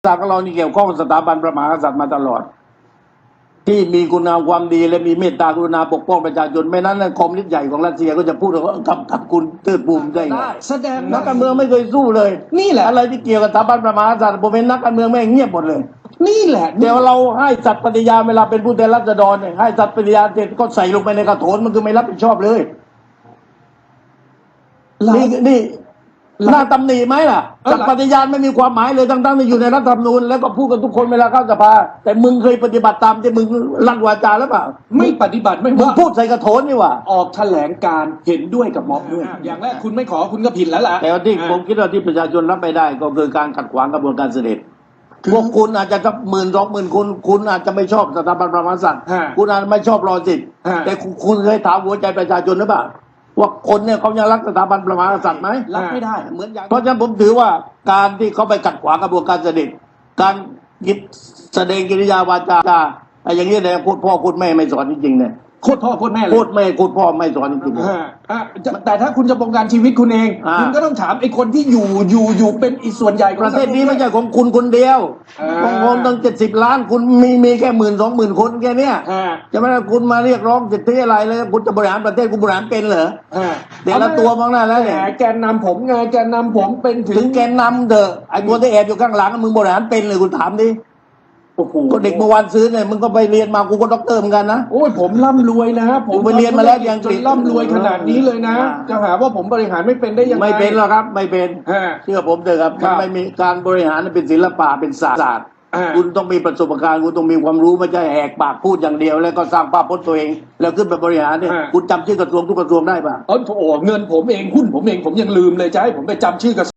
ศาสตร์ของเรานี่เกี่ยวข้องกับสถาบันพระมหากษัตริย์มาตลอดที่มีคุณงามความดีและมีเมตตากรุณาปกป้องประชาชนไม่นั้นคอมมิวนิสต์ใหญ่ของรัสเซียก็จะพูดว่ากับคุณเติร์ดบูมได้ไงแสดงนักการเมืองไม่เคยสู้เลยนี่แหละอะไรที่เกี่ยวกับสถาบันพระมหากษัตริย์ผมเป็นนักการเมืองแม่งเงียบหมดเลยนี่แหละเดี๋ยวเราให้สัตย์ปฏิญาณเวลาเป็นผู้แทนราษฎรเนี่ยให้สัตย์ปฏิญาณเสร็จก็ใส่ลงไปในกระโถนมันคือไม่รับผิดชอบเลยนี่น่าตำหนิไหมล่ะสัตย์ปฏิญาณไม่มีความหมายเลยทั้งๆที่อยู่ในรัฐธรรมนูญแล้วก็พูดกันทุกคนเวลาเข้าสภาแต่มึงเคยปฏิบัติตามที่มึงลั่นวาจาหรือเปล่าไม่ปฏิบัติไม่มึงว่าพูดใส่กระโถนนี่หว่าออกแถลงการเห็นด้วยกับม็อบด้วยอย่างแรกคุณไม่ขอคุณก็ผิดแล้วล่ะแต่ว่าที่ผมคิดว่าที่ประชาชนรับไม่ได้ก็คือการขัดขวางกระบวนการเสด็จพวกคุณอาจจะสัก10,000 20,000คุณอาจจะไม่ชอบสถาบันพระมหากษัตริย์คุณอาจจะไม่ชอบรอสิทธิ์แต่คุณเคยถามหัวใจประชาชนหรือเปล่าว่าคนเนี่ยเขายังรักสถาบันพระมหากษัตริย์ไหมรับไม่ได้เหมือนอย่างเพราะฉะนั้นผมถือว่าการที่เขาไปขัดขวางกระบวนการเสด็จการหยิบแสดงกิริยาวาจาอะไรอย่างนี้เนี่ยพูดพ่อพูดแม่ไม่สอนจริงๆเนี่ยโคตรพ่อโคตรแม่เลยพูดแม่พูดพ่อไม่สอนจริงๆแต่ถ้าคุณจะบงการชีวิตคุณเอง คุณก็ต้องถามไอ้คนที่อยู่เป็นอีกส่วนใหญ่ของประเทศนี้ไม่ใช่ของคุณคนเดียวของผมตั้ง70 ล้านคุณมีแค่10,000-20,000 คนแค่เนี้ยจะไม่ได้คุณมาเรียกร้องสิทธิอะไรเลยคุณจะบริหารประเทศคุณบริหารเป็นเหรอเดี๋ยวละตัวมองหน้าแล้วเนี่ยแกนนำผมไงแกนนำผมเป็นถึงแกนนำเถอะไอ้คนที่แอบอยู่ข้างหลังมึงบริหารเป็นเลยคุณถามดิโอ้โหก็เด็กเมื่อวานซื้อเนี่ยมึงก็ไปเรียนมากูก็ด็อกเตอร์เหมือนกันนะโอ้ยผมร่ำรวยนะผมไปเรียนมาแล้วที่อังกฤษจนร่ำรวยขนาดนี้เลยนะ จะหาว่าผมบริหารไม่เป็นได้ยังไงไม่เป็นหรอกครับไม่เป็น เชื่อผมเถอะครับครัมันบไม่มีการบริหารเป็นศิลปะเป็นศาสตร์ คุณต้องมีประสบการณ์คุณต้องมีความรู้ไม่ใช่แหกปากพูดอย่างเดียวแล้วก็สร้างภาพพจน์ตัวเอง แล้วขึ้นไปบริหารเนี่ยคุณจำชื่อกระทรวงทุกกระทรวงได้ป่ะโอ้เงินผมเองหุ้นผมเองผมยังลืมเลยจะให้ผมไปจำชื่อกระ